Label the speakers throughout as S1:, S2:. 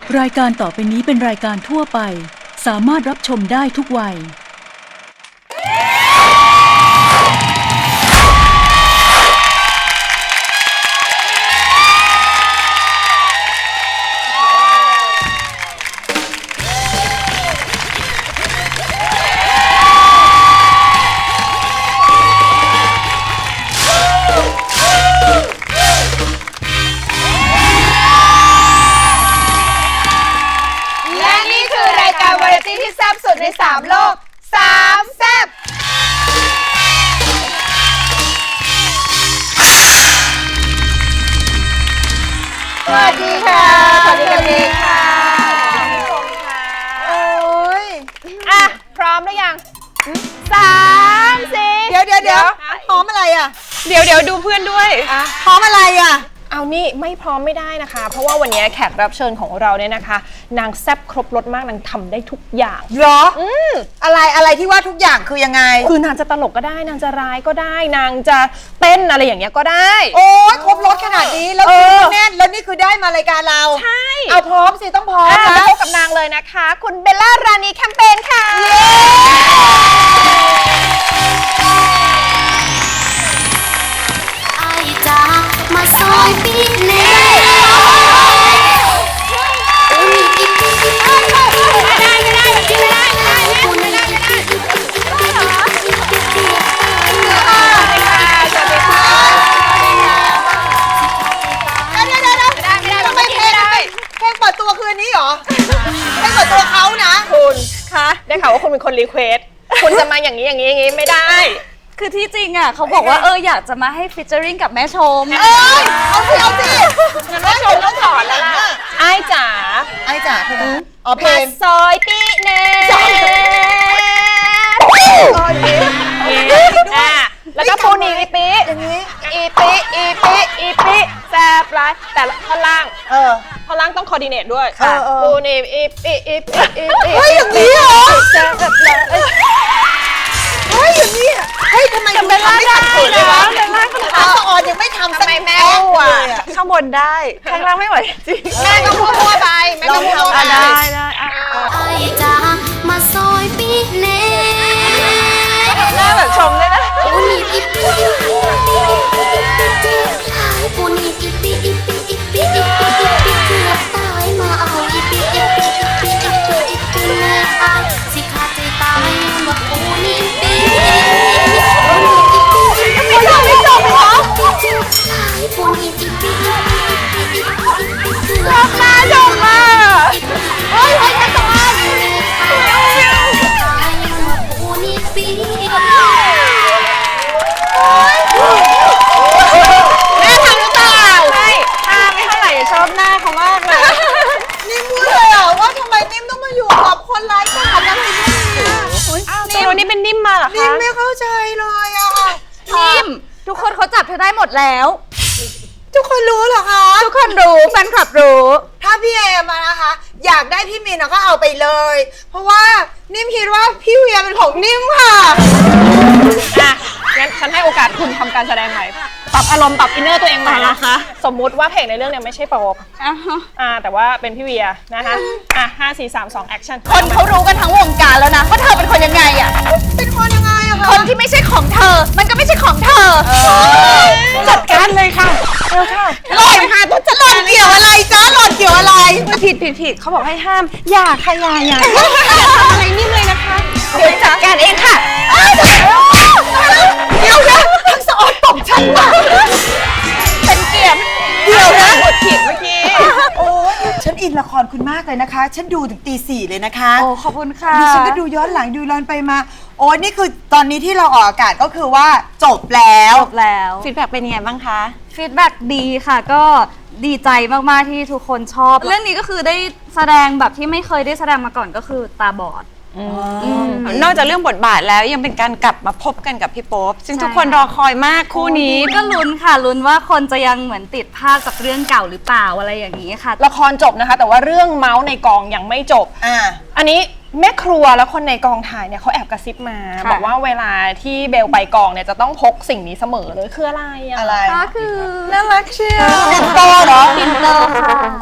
S1: รายการต่อไปนี้เป็นรายการทั่วไปสามารถรับชมได้ทุกวัย
S2: ที่แซ่บสุดใน3โลก3แซ่บสวัสดีค่ะสวัสดีค่ะโอ้ยอ่ะพร้อมหรือยัง3 4เดี๋ยวพร้อมอะไรอ่ะ
S3: เดี๋ยวดูเพื่อนด้วย
S2: พร้อมอะไรอ่ะ
S3: เอานี่ไม่พร้อมไม่ได้นะคะเพราะว่าวันนี้แขกรับเชิญของเราเนี่ยนะคะนางแซ่บครบรสมากนางทำได้ทุกอย่าง
S2: เหรออะไรที่ว่าทุกอย่างคือยังไง
S3: คือนางจะตลกก็ได้นางจะร้ายก็ได้นางจะเต้นอะไรอย่างเงี้ยก็ได้
S2: โอ้ยครบรสขนาดนี้แล้วแน่นแล้วนี่คือได้มารายการเรา
S3: ใช่
S2: เอาพร้อมสิต้องพร้อม
S3: นะพบกับนางเลยนะคะคุณเบลล่ารานีแคมเปญค่ะ
S4: มาซอยปีเน่
S2: เพลงเปิดตัวคืนนี้เหรอเพลงเปิดตัวเขานะ
S3: คุณคะได้ข่าวว่าคุณเป็นคนรีเควสคุณจะมาอย่างนี้ไม่ได้
S5: คือที่จริงอ่ะเขาบอกว่าอยากจะมาให้ฟิชเจอริงกับแม่ชม
S2: เอาสิ
S3: งั้นแม่ชมต้องถอนแล้วล่ะไอ้จ๋า
S2: คือเพลง
S3: ซอยปีเน่แล้วก็ปูนีอีปิ
S2: อย่างนี้
S3: อีปิแซ่บร้ายแต่ท่อนล่างท่อนล่างต้องคอร์ดิเนตด้วยปูนีอีปิ
S2: เฮ้ยอย่างนี้เหรอแซ่บร้ายเฮ้ยอย่างนี้เฮ้ยทำไมคุณทำไม่ขัดขืนเลยวะอาสะออนยังไม่ทำสัก
S3: แม่ว่ะข้างบนได้ข้างล่างไม่ไหวจริงแม่ก็พูดไปแม่ก็พูดไปได้
S4: ไอ้จ้ามาซอยปีเน่
S3: หน้าแบบชมเลยนะ
S4: ปูนีอีปีปูนีอีปีเกือบตายมาเอาอีปีเน่เอาสิขาดใจตายมาปูนีปี
S3: ไม่จบเหรอ
S4: ปูนีอีปี
S3: จบมา
S4: เฮ้ยจะตายปูนีปี
S3: แม่ทำหรือเปล่าใช่ท่าไม่เท่าไหร่ชอบหน้าเขามากเลย
S2: นิ่มพูดเลยอ่ะว่าทำไมนิ่มต้องมาอยู่กับคนไร้ค่าอะไรเนี่ย
S3: นี่วันนี้เป็นนิ่มมาเหรอคะ
S2: นิ่มไม่เข้าใจเลยอ่ะ
S5: นิ่มทุกคนเขาจับเธอได้หมดแล้ว
S2: ทุกคนรู้เหรอคะ
S5: ทุกคนรู้แฟนคลับรู้
S2: ถ้าพี่เอมานะคะอยากได้พี่มินก็เอาไปเลยเพราะว่านิ่มคิดว่าพี่เวียเป็นของนิ่มค่ะ
S3: งั้นฉันให้โอกาสคุณทำการแสดงใหม่ปรับอารมณ์ปรับอินเนอร์ตัวเองใหม่นะคะสมมุติว่าเพลงในเรื่องเนี่ยไม่ใช่โป๊ปแต่ว่าเป็นพี่เวียนะคะ5 4 3 2 แอคชั่น
S5: คนเขารู้กันทั้งวงการแล้วนะว่าเธอเป็นคนยังไงอ่ะ
S2: เป็นคนยังไงอะคะ
S5: คนที่ไม่ใช่ของเธอมันก็ไม่ใช่ของเธอ
S3: จัดการเลยค่ะ
S2: หล่อนค่ะต้องจะหล่อนเกี่ยวอะไรจ้าหล่อนเกี่ยวอะไร
S3: ผิดเขาบอกให้ห้ามอย่าอะไรนิ่มเลยนะคะ
S5: เดี๋ยวจัดการเองค่ะ
S2: เดี๋ยวนะทั้งสะออนตบฉันว่ะ
S3: เป็นเกียรติ
S2: เดี๋ยวนะ
S3: กดผิดเมื่อกี้
S2: โอ้ฉันอินละครคุณมากเลยนะคะฉันดูถึงตี 4เลยนะคะ
S5: โอ้ขอบคุณค่ะ
S2: ดิฉันก็ดูย้อนหลังดูย้อนไปมาโอ้นี่คือตอนนี้ที่เราออกอากาศก็คือว่าจบแล้ว
S5: ฟีดแบ็กเป็นยังไงบ้างคะฟีดแบ็กดีค่ะก็ดีใจมากๆที่ทุกคนชอบเรื่องนี้ก็คือได้แสดงแบบที่ไม่เคยได้แสดงมาก่อนก็คือตาบอด
S3: นอกจากเรื่องบทบาทแล้วยังเป็นการกลับมาพบกันกับพี่โป๊ปซึ่งทุกคนรอคอยมากคู่นี้
S5: ก็ลุ้นค่ะลุ้นว่าคนจะยังเหมือนติดภาพจากเรื่องเก่าหรือเปล่าอะไรอย่างนี้ค่ะ
S3: ละครจบนะคะแต่ว่าเรื่องเมาส์ในกองยังไม่จบอันนี้แม่ครัวและคนในกองถ่ายเนี่ยเขาแอบกระซิบมาบอกว่าเวลาที่เบลไปกองเนี่ยจะต้องพกสิ่งนี้เสมอเลยคืออะไร
S2: อะไร
S5: ก็คือ
S3: น่ารักเชียว
S2: ปิ่นโตเหรอ
S5: ปิ่นโตค่ะ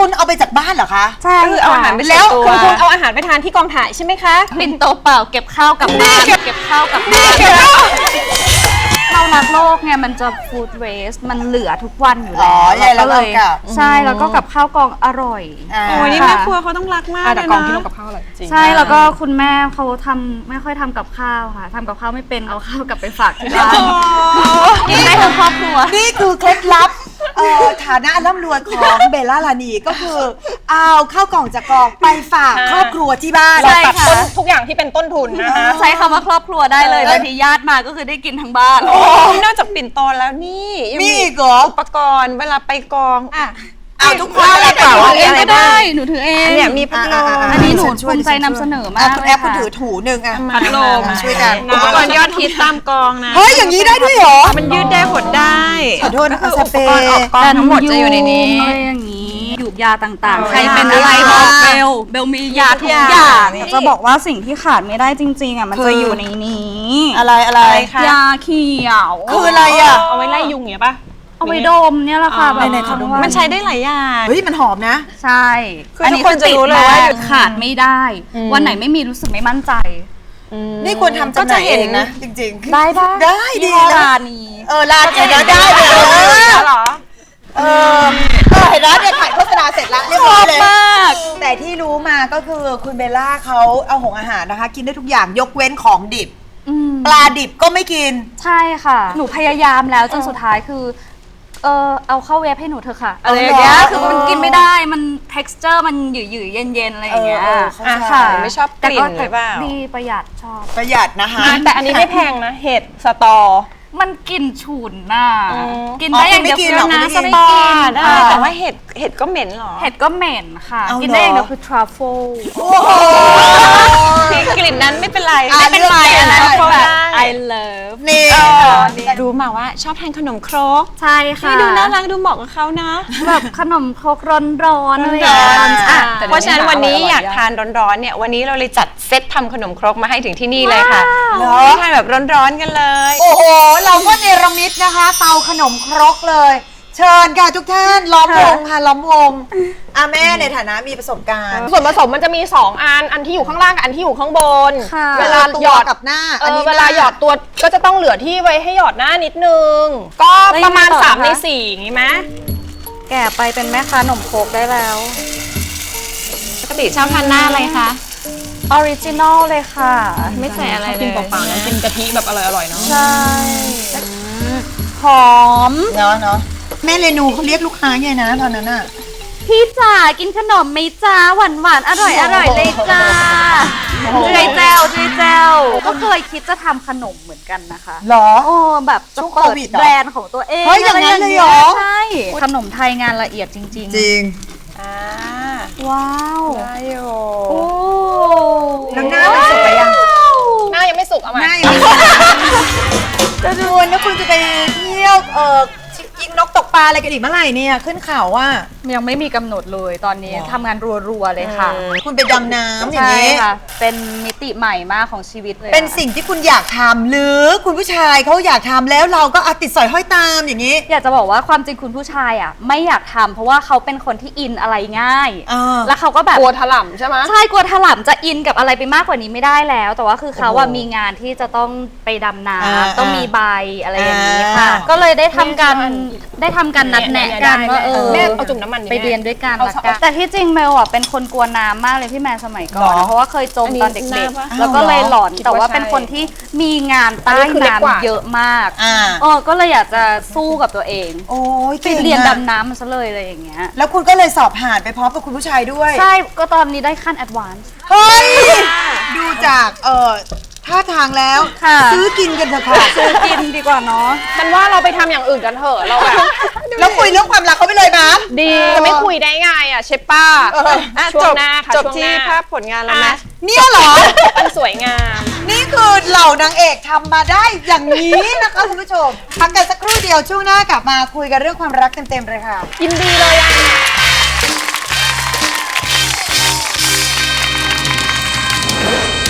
S2: คุณเอาไปจากบ้านเหรอคะ
S5: ใช่
S3: คือเอาอาหารไป
S2: แล้ว
S3: คุณเอาอาหารไปทานที่กองถ่ายใช่ไหมคะ
S5: ปิ่นโตเปล่าเก็บข้าวกลับบ้านเก็บข้าวกลับบ้านเรารักโลกไงมันจะฟู้ดเวสมันเหลือทุกวันอยู่
S2: อ๋
S5: แล้
S2: อ
S5: วเราก็เลย
S2: แล้วเรากลับ
S5: ใช่แล้วก็กับข้าวกองอร่อย
S2: า
S6: โอ้ยนี่แม่ครัวเขาต้องรักมาก
S3: แต่
S6: เลย
S3: กองที่
S6: นะ
S3: ลงกับข้าวอร่อยจริง
S5: ใช่แล้วก็คุณแม่เขาทำไม่ค่อยทำกับข้าวค่ะทำกับข้าวไม่เป็นเอาข้าวกลับไปฝากที่บ้านกินได้ทั้งครอบครัว
S2: นี่คือเคล็ดลับฐานะอันร่ำรวยของเบลล่าลานีก็คือเอาข้าวกล่องจากกองไปฝากครอบครัวที่บ้าน
S5: ใช่
S3: ตัด
S5: ค่ะ
S3: ต้นทุกอย่างที่เป็นต้นทุนนะคะ
S5: ใช้คำว่าครอบครัวได้เลยบางทีญาติมาก็คือได้กินทั้งบ้าน
S6: นอกจากปิ่นโตแล้วนี่ยัง
S2: มี
S6: มี
S2: อีกเหรอ
S6: อุปกรณ์เวลาไปกองอ่ะ
S2: เอาทุกคนอะไร
S6: เปล่า
S2: บ้าง
S5: เองก็ได้หนูถือเอง
S6: เนี่ยมีพัดลม
S5: อันนี้หนูภูมิใจนำเสนอมาก
S2: คุณแอปคุณถือถูหนึ่งอ่ะ
S6: พัดลม
S2: ช่วยกัน
S6: อุปกรณ์ยอดฮิตตามกองนะ
S2: เฮ้ยอย่างนี้ได้ด้วยเหรอ
S6: มันยืดได้หดได้
S2: ขอโทษนะคะ
S6: อุปกรณ์ออกกองทั้งหมดจะอยู่ในนี้
S5: อะไรอย่างนี้หยูกยาต่างๆ
S2: เอา
S5: ใครเป็นอะไร
S2: ยา
S5: บอกเบลมียาทุกอย่าง
S6: นี่
S5: จะบอกว่าสิ่งที่ขาดไม่ได้จริงๆอ่ะมัน
S2: คือ
S5: จะอยู่ในนี้
S2: อะไรอะไร
S5: ยาเขียว
S2: คืออะไรอ่ะ
S3: เอาไว้ไล่ยุงอย่างเงี้ยป่ะ
S5: เอาไปดมเนี่ยแหละค่ะแบบ
S2: ไหนๆขอดม
S6: มันใช้ได้หลายอย่าง
S2: เฮ้ยมันหอมนะ
S5: ใช่
S6: คือทุกคนจะรู้เลยว่า
S5: ติดมกขาดไม่ได้ วันไหนไม่มีรู้สึกไม่มั่นใจ
S2: นี่ควรทำจำหน่ายเองนะจริงๆ
S5: ได้ปะ
S2: ได้ดี
S5: ยี่ห้อ
S2: นะ
S5: ร้านนี้
S2: ร้านเดี๋ยวได้เลย
S6: เหรอ
S2: เห็นแล้วเนี่ยถ่ายโฆษณาเสร็จแล้วเรียบร้อยเลย
S5: มาก
S2: แต่ที่รู้มาก็คือคุณเบลล่าเขาเอาหงอาหารนะคะ กินได้ทุกอย่างยกเว้นของดิบ ปลาดิบก็ไม่กิน
S5: ใช่ค่ะ หนูพยายามแล้วจนสุดท้ายคือ เอาเข้าเวฟให้หนูเถอะค่ะอะไรอย่างเงี้ย
S2: เอาเหรอ
S5: คือมันกินไม่ได้ มัน texture มันหยืดๆเย็นๆอะไรอย่างเงี้ย
S2: เข้าใจ
S5: ค่ะ
S6: ไม่ชอบกลิ่นหรือเปล่า
S5: ดีประหยัดชอบ
S2: ประหยัดนะคะ
S3: แต่อันนี้ไม่แพงนะ เห็ดสตอ
S5: มันกลิ่นฉุนน่ะ กิน
S2: อ๋อ
S5: ได้อย่างเดียว
S2: คุณไม่กินหรอ
S5: นะ
S2: คุณไม่กิน
S5: ส
S6: ป
S5: ต
S6: อ
S5: อ
S6: ได้
S5: ค่ะ
S6: แต่ว่าเห็ดก็เหม็นเหรอ
S5: เห็ดก็เหม็นค่ะ
S2: เอา
S5: กินได้อย่าง
S2: เหร
S5: เดี
S2: อ
S5: ยวคือ truffle
S2: โอ้โห
S6: ที่กลิ่นนั้นไม่เป็นไร
S2: ไม่เป็นไร
S6: อันนั้น
S2: ได้
S6: ก็ได้
S5: I love
S2: นี่
S6: รู้มาว่าชอบทานขนมครก
S5: ใช่ค่ะ
S6: นี่ดูน่ารักดูเหมาะกับเขานะ
S5: แบบขนมครกร้อนๆอะไรอย่างเงี้ย
S2: ร้อนๆ
S5: อ่ะ
S6: เพราะฉะนั้นวันนี้อยากทานร้อนๆเนี่ยวันนี้เราเลยจัดเซตทำขนมครกมาให้ถึงที่นี่เลยค่ะ
S2: เหรอ
S6: ทานแบบร้อนๆกันเลย
S2: โอ้โห เราก็เนรมิตนะคะ เตาขนมครกเลย เชิญค่ะทุกท่านล้อมวงค่ะล้อมวงแม่ในฐานะมีประสบการณ์
S3: ส่วนผสมมันจะมี 2 อันที่อยู่ข้างล่างกับอันที่อยู่ข้างบน
S5: ค่ะ
S3: เวลาหยอด
S2: กับหน้า
S3: เวลาหยอดตัวก็จะต้องเหลือที่ไว้ให้หยอดหน้านิดนึง ก็ประมาณ
S5: แล้วยังไงต่อ
S3: 3 ใน
S5: คะ
S3: 4อย่างนี้ไหม
S5: แก่ไปเป็นแม่ค้าขนมครกได้แล้ว
S6: ปกติชอบทานหน้าอะไรคะ
S5: ออริจินอลเลยค่ะ
S6: ไม่ใส่อะไรเลย
S3: กินเปล่าๆนะกินกะทิแบบอร่อยๆเนาะ
S5: ใช่หอม
S2: เนาะแม่เรนูเขาเรียกลูกค้าไงนะตอนนั้นอ่ะ
S5: พี่จ๋ากินขนมไหมจ้าหวานหวานๆอร่อยอร่อยเลยจ้าเจยแจวเจยแจวก็เคยคิดจะทำขนมเหมือนกันนะคะ
S2: หรอ
S5: โอ้แบบจะ
S2: ช่วง
S5: เปิ
S2: โค
S5: ด
S2: วิดเหรอ
S5: แบรนด์ของตัวเอง
S2: เฮ้ยอย่างนั้นเลยเหรอ
S5: ใช่ขนมไทยงานละเอียดจริง
S2: จริง
S5: ว้าว
S6: ได้อยู่
S5: โอ้
S2: แล้วหน้ามันสุกไปยัง
S3: หน้ายังไม่สุกเอาใหม่
S2: หน้ายังไม่สุกจะดูนะคุณจะไปเที่ยวยิงนกตกปลาอะไรกันอีกเมื่อไหร่เนี่ยขึ้นเขาว่า
S5: ยังไม่มีกำหนดเลยตอนนี้ทำงานรัวๆเลยค่ะ
S2: คุณไปดำน้ำอย่าง
S5: ใช่
S2: นี้
S5: ค่ะ เป็นมิติใหม่มากของชีวิตเลย
S2: เป็น
S5: ค่ะ
S2: สิ่งที่คุณอยากทำหรือคุณผู้ชายเขาอยากทำแล้วเราก็ติดสอยห้อยตามอย่างนี้
S5: อยากจะบอกว่าความจริงคุณผู้ชายอ่ะไม่อยากทำเพราะว่าเขาเป็นคนที่อินอะไรง่าย แล้วเขาก็แบบ
S3: กลัวถล่มใช่ไหม
S5: ใช่กลัวถลำจะอินกับอะไรไปมากกว่านี้ไม่ได้แล้ว แต่ว่าคือเขาอะมีงานที่จะต้องไปดำน้ำต้องมีใบอะไรอย่างนี้ค่ะ ก็เลยได้ทำการนัดแนะกันว่า
S3: แม่เอาจุ่มน้ำมันดิ
S5: ไปเรียนด้วยกัน
S3: เอา
S5: ละกันแต่ที่จริงเมลอ่ะเป็นคนกลัวน้ำมากเลยพี่แมนสมัยก่อน
S2: หรอ
S5: เพราะว่าเคยจมตอนเด็ก
S6: อันนี้น้ำปะ
S5: ๆ แล้วก็เลยหลอนแต่ว่าเป็นคนที่มีงานใต้
S3: อันนี้คือเล็กกว่า
S5: น้ำเยอะมาก
S2: อ่า
S5: ก็เลยอยากจะสู้กับตัวเอง
S2: โอ้ย
S5: ไป
S2: ก่งอะ
S5: เรียนดำน้ำมันซะเลยอะไรอย่างเงี้ย
S2: แล้วคุณก็เลยสอบผ่านไปพร้อมกับคุณผู้ชายด้วย
S5: ใช่ก็ตอนนี้ได้ขั้นแอดวานซ์
S2: เฮ้ย ดูจากท่าทางแล้ว
S5: ค่ะ
S2: ซื้อกินกันเถอะค่ะ
S5: ซื้อกินดีกว่าเนาะ
S3: ฉันว่าเราไปทำอย่างอื่นกันเถอะเราแบบ
S2: แล้วคุยเรื่องความรักเขาไปเลยมั้ย
S3: ดีจะไม่คุยได้ไงอ่ะเชฟป้า
S6: อ่ะ
S3: ช่วงหน้าค่ะ
S6: จบ
S3: ช่วงห
S6: ที่
S3: น้า
S6: ภาพผลงานแล้วไหม
S2: เนี่ยเหรอ
S3: มันสวยงาม
S2: นี่คือเหล่านางเอกทำมาได้อย่างนี้นะคะคุณผู้ชมพักกันสักครู่เดียวช่วงหน้ากลับมาคุยกันเรื่องความรักเต็มๆเลยค่ะ
S3: ยินดีเลยอ่ะ
S2: ค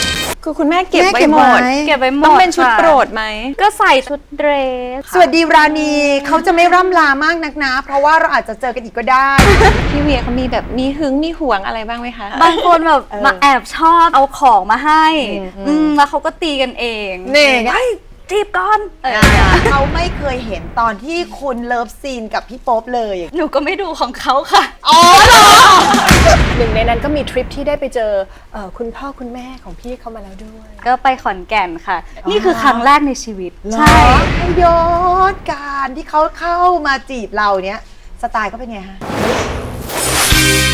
S6: คือคุณแม่เก็บ
S2: แม่
S6: ไว้
S2: เก็บ
S6: หมด
S2: ไว้
S5: เก็บไว้หมด
S6: ต้องเป็นชุด
S5: ค่ะ
S6: โปรดไหม
S5: ก็ใส่ชุดเดรส
S2: สวัสดีราณีเขาจะไม่ร่ำลามากนักนะ เพราะว่าเราอาจจะเจอกันอีกก็ได้
S6: พี่เวียเขามีแบบมีหึงมีหวงอะไรบ้างไหมคะ
S5: บางคนแบบมาแอบชอบเอาของมาให้แล้วเขาก็ตีกันเอง
S2: นี่ไง
S5: เฮ้ยจีบก่อน
S2: เขาไม่เคยเห็นตอนที่คุณเลิฟซีนกับพี่โป๊ปเลย
S5: หนูก็ไม่ดูของเขาค่ะ
S2: อ๋อเหรอ
S3: หนึ่งในนั้นก็มีทริปที่ได้ไปเจอคุณพ่อคุณแม่ของพี่เขามาแล้วด้วย
S5: ก็ไปขอนแก่นค่ะ นี่คือครั้งแรกในชีวิต
S2: ใช่ย้อนการที่เขาเข้ามาจีบเราเนี้ยสไตล์เขาเป็นไงฮะ